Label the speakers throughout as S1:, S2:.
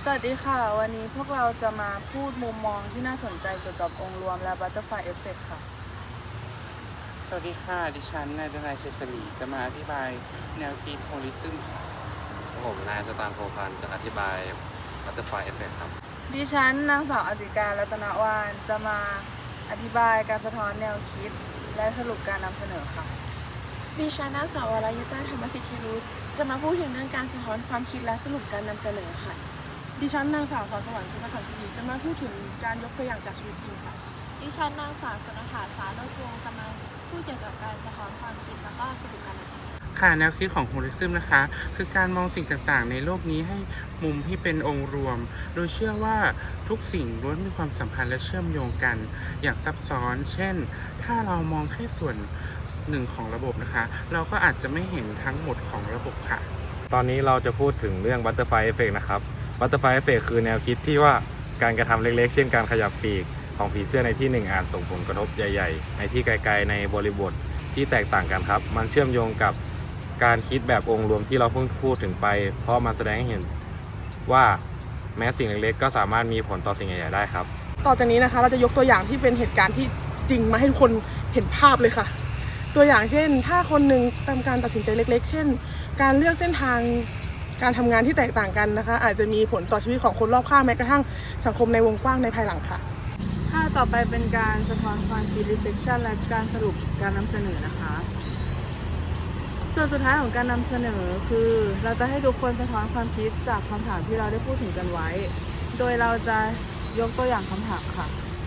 S1: วัสดีค่ะวันนี้พวกเราจะมาพูดมุมมองที่น่าสนใจเกี่ยวกับองค์รวมและ Butterfly Effect ค่ะ
S2: สวัสดีค่ะดิฉันนายดนายเชษรีจะมาอธิบายแนวคิดโฮลิซึมค่ะ
S3: ผมนายสตานโพพันธ์จะอธิบาย Butterfly Effect ครับ
S1: ดิฉันนางสาวอติการรัตนวาลจะมาอธิบายการสะท้อนแนวคิดและสรุปการนำเสนอค่ะ
S4: ดิฉันนางสาววรยุตาธรรมสิทธิรุตจะมาพูดถึงเรื่องการสะท้อนความคิดและสรุปการนำเสนอค่ะ
S5: ดิฉันนางสาวสอนสวรรค์สุภสันติจะมาพูดถึงการยกตัวอย่างจากชีวิตจริงค่ะ
S6: ดิฉันนางสาวสุนทาสาโรจน์วงศ์จะมาพูดเกี่ยวกับการสะท้อนความคิดแล้วก็สรุปการนำเสนอ
S2: ค่ะแนวคิดของโฮลิซึมนะคะคือการมองสิ่งต่างๆในโลกนี้ให้มุมที่เป็นองค์รวม โดยเชื่อว่าทุกสิ่งล้วนมีความสัมพันธ์และเชื่อมโยงกันอย่างซับซ้อน เช่น ถ้าเรามองแค่ส่วนหนึ่งของระบบนะคะเราก็อาจจะไม่เห็นทั้งหมดของระบบค่ะ
S3: ตอนนี้เราจะพูดถึงเรื่อง Butterfly Effect นะครับ Butterfly Effect คือแนวคิดที่ว่าการกระทำเล็กๆ เช่นการขยับปีกของผีเสื้อในที่หนึ่งอาจส่งผลกระทบใหญ่ๆในที่ไกลๆในบริบทที่แตกต่างกันครับมันเชื่อมโยงกับการคิดแบบองค์รวมที่เราเพิ่งพูดถึงไปเพราะมันแสดงให้เห็นว่าแม้สิ่งเล็กๆก็สามารถมีผลต่อสิ่งใหญ่ๆได้ครับ
S5: ต่อจากนี้นะคะเราจะยกตัวอย่างที่เป็นเหตุการณ์ที่จริงมาให้ทุกคนเห็นภาพเลยค่ะตัวอย่างเช่นถ้าคนหนึ่งทำการตัดสินใจเล็กๆ เช่นการเลือกเส้นทางการทำงานที่แตกต่างกันนะคะอาจจะมีผลต่อชีวิตของคนรอบข้างแม้กระทั่งสังคมในวงกว้างในภายหลังค่ะ
S1: ค่ะต่อไปเป็นการสะท้อนความคิด reflection และการสรุปการนำเสนอนะคะส่วนสุดท้ายของการนำเสนอคือเราจะให้ทุกคนสะท้อนความคิดจากคำถามที่เราได้พูดถึงกันไว้ โดยเราจะยกตัวอย่างคำถามค่ะ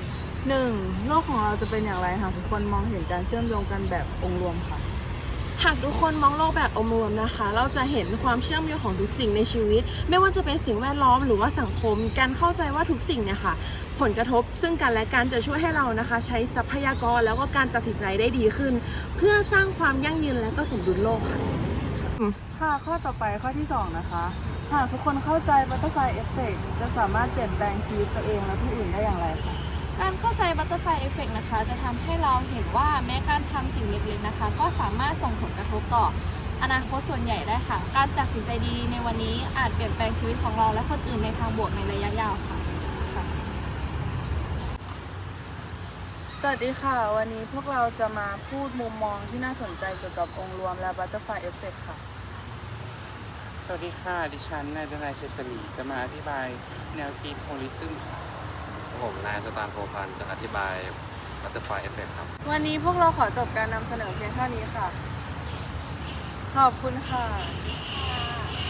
S1: 1. โลกของเราจะเป็นอย่างไรหากทุกคนมองเห็นการเชื่อมโยงกันแบบองค์รวมค่ะ
S4: หากทุกคนมองโลกแบบองค์รวมนะคะเราจะเห็นความเชื่อมโยงของทุกสิ่งในชีวิตไม่ว่าจะเป็นสิ่งแวดล้อมหรือว่าสังคมการเข้าใจว่าทุกสิ่งเนี่ยค่ะผลกระทบซึ่งกันและกันจะช่วยให้เรานะคะใช้ทรัพยากรแล้วก็การตัดสินใจได้ดีขึ้นเพื่อสร้างความยั่งยืนและก็สมดุลโลกค่ะ
S1: ค่ะข้อต่อไปข้อที่ 2 นะคะหากทุกคนเข้าใจ Butterfly Effect จะสามารถเปลี่ยนแปลงชีวิตตัวเองและผู้อื่นได้อย่างไรคะ
S6: การเข้าใจ Butterfly Effect นะคะจะทำให้เราเห็นว่าแม้การทำสิ่งเล็กๆนะคะก็สามารถส่งผลกระทบต่ออนาคตส่วนใหญ่ได้ค่ะการตัดสินใจดีๆในวันนี้อาจเปลี่ยนแปลงชีวิตของเราและคนอื่นในทางบวกในระยะยาวค่ะ
S1: สวัสดีค่ะวันนี้พวกเราจะมาพูดมุมมองที่น่าสนใจเกี่ยวกับองค์รวมและ Butterfly Effect ค่ะ
S2: สวัสดีค่ะดิฉันนายดนายเชษรีจะมาอธิบายแนวคิดโฮลิซึมค่ะ
S3: ผมนายสตานโพพันธ์จะอธิบาย Butterfly Effect ครับ
S1: วันนี้พวกเราขอจบการนำเสนอเพียงเท่านี้ค่ะขอบคุณค่ะ